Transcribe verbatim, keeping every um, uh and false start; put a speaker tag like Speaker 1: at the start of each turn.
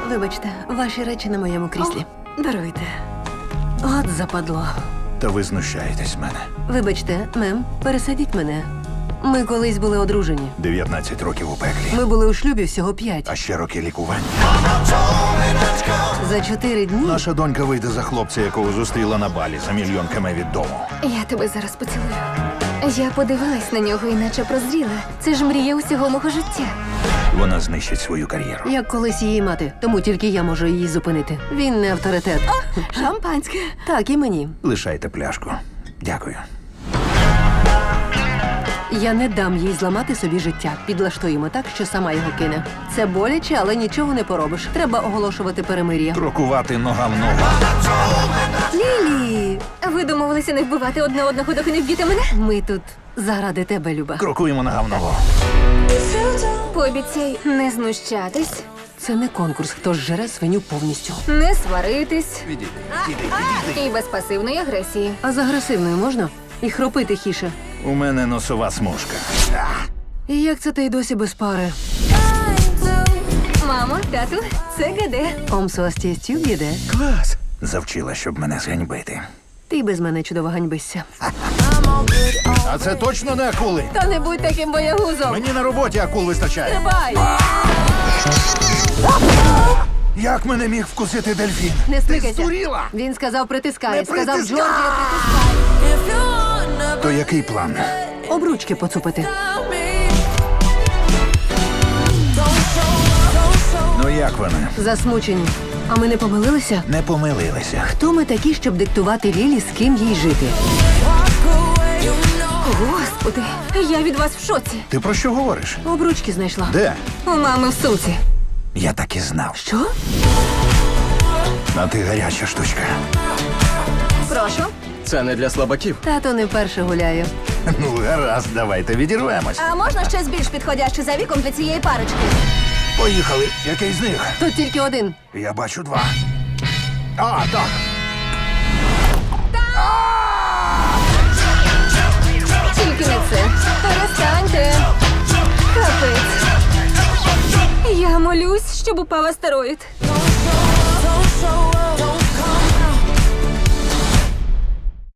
Speaker 1: Вибачте, ваші речі на моєму кріслі.
Speaker 2: Даруйте.
Speaker 1: От западло.
Speaker 3: Та ви знущаєтесь з мене.
Speaker 1: Вибачте, мем, пересадіть мене. Ми колись були одружені.
Speaker 3: дев'ятнадцять років у пеклі.
Speaker 1: Ми були у шлюбі всього п'ять.
Speaker 3: А ще роки лікування.
Speaker 1: За чотири дні
Speaker 3: Наша донька вийде за хлопця, якого зустріла на балі за мільйон кеме від дому.
Speaker 2: Я тебе зараз поцілую. Я подивилась на нього, іначе прозріла. Це ж мрія усього мого життя.
Speaker 3: Вона знищить свою кар'єру.
Speaker 1: як колись її мати, тому тільки я можу її зупинити. Він не авторитет.
Speaker 2: Шампанське.
Speaker 1: Так, і мені.
Speaker 3: Лишайте пляшку. Дякую.
Speaker 1: Я не дам їй зламати собі життя. Підлаштуємо так, що сама його кине. Це боляче, але нічого не поробиш. Треба оголошувати перемир'я.
Speaker 3: Крокувати нога в ногу.
Speaker 1: Лілі!
Speaker 2: Ви домовилися не вбивати одне одного, доки не вб'єте мене?
Speaker 1: Ми тут заради тебе, Люба.
Speaker 3: Крокуємо нога в ногу.
Speaker 2: Пообіцяй не знущатись,
Speaker 1: Це не конкурс, хто ж жере свиню повністю.
Speaker 2: не сваритись
Speaker 3: Відійди, відійди, відійди.
Speaker 2: і без пасивної агресії.
Speaker 1: А з агресивною можна? І хропи тихіше.
Speaker 3: У мене носова смужка.
Speaker 1: І як це ти й досі без пари?
Speaker 2: Мамо, тату, це ГД.
Speaker 1: Омсуастєстю їде.
Speaker 3: Клас. Завчила, щоб мене зганьбити.
Speaker 1: Ти без мене чудово ганьбишся.
Speaker 3: А це точно не акули?
Speaker 1: Та не будь таким боягузом!
Speaker 3: Мені на роботі акул вистачає.
Speaker 1: Бай!
Speaker 3: Як мене міг вкусити дельфін?
Speaker 1: Не
Speaker 3: Ти
Speaker 1: стикайся.
Speaker 3: здуріла?
Speaker 1: Він сказав притискай.
Speaker 3: Не
Speaker 1: Сказав
Speaker 3: притискай!
Speaker 1: Джорджія притискай.
Speaker 3: То який план?
Speaker 1: Обручки поцупити.
Speaker 3: Ну як вони?
Speaker 1: Засмучені. А ми не помилилися?
Speaker 3: Не помилилися.
Speaker 1: Хто ми такі, щоб диктувати Лілі, з ким їй жити?
Speaker 2: Господи, я від вас в шоці.
Speaker 3: Ти про що говориш?
Speaker 1: Обручки знайшла.
Speaker 3: Де?
Speaker 2: У мами в сумці.
Speaker 3: Я так і знав.
Speaker 1: Що?
Speaker 3: А ти гаряча штучка.
Speaker 2: Прошу.
Speaker 4: Це не для слабаків.
Speaker 1: Тато не вперше гуляє.
Speaker 3: Ну, гаразд, давайте відірвемось.
Speaker 2: А можна щось більш підходяще за віком для цієї парочки?
Speaker 3: Поїхали. Який з них?
Speaker 1: Тут тільки один.
Speaker 3: Я бачу два. А, так.
Speaker 2: Тільки не це. Перестаньте. Капець. Я молюсь, щоб упав астероїд.
Speaker 5: Don't show